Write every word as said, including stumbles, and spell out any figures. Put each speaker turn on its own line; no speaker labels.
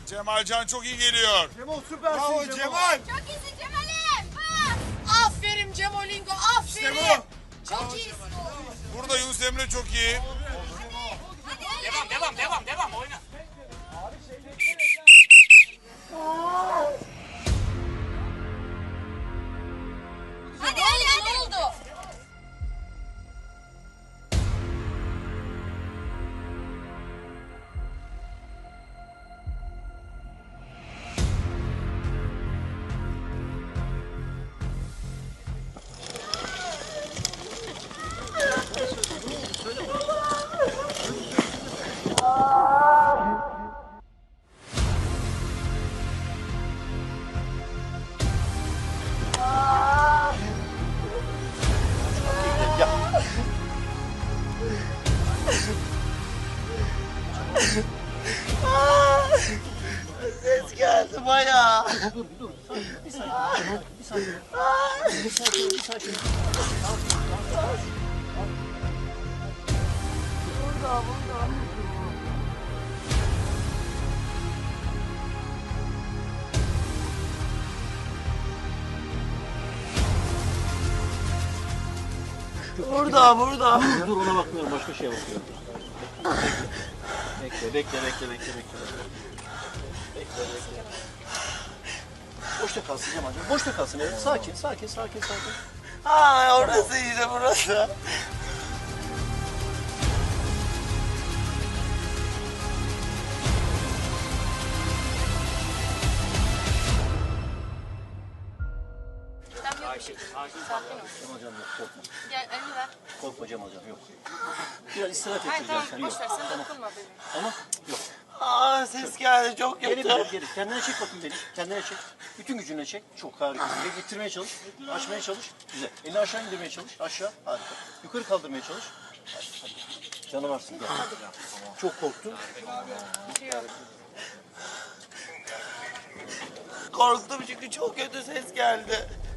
Cemalcan çok iyi geliyor.
Cemal süpersin
Bravo
Cemal.
Cemal.
Çok iyisin Cemal'im. Ha.
Aferin Cemolingo,
İşte
aferin.
bu.
Çok iyisin oğlum.
Burada Yunus Emre çok iyi.
Hadi
Devam devam devam devam oyna.
hadi hadi hadi.
Ne oldu?
Ses geldi bayağı. Burada, burada.
Dur ona bakmıyorum, başka şeye bakıyorum. Bekle, bekle, bekle, bekle, bekle. Bekle, bekle. Boşta kalsın Cemal'cığım, boşta kalsın. Evet. Sakin, sakin, sakin, sakin.
Ha, orası işte burası.
Cemal'cığım yok, korkma.
Gel elini ver.
Korkma Cemal'cığım, yok. Biraz istirahat
Hayır
ettireceğim
tamam,
seni.
boş
Yok.
ver, sen dokunma bebeğim.
Ama yok.
Aa, ses geldi çok
Geri
kötü.
bir geri. Kendine çek bakayım beni. Kendine çek. Bütün gücünle çek. Çok harika. Ve getirmeye çalış. Açmaya çalış. Güzel. Elini aşağı indirmeye çalış. Aşağı. Harika. Yukarı kaldırmaya çalış. Hadi, hadi. Canavarsın. Gel. Çok korktun.
Korktum çünkü çok kötü ses geldi.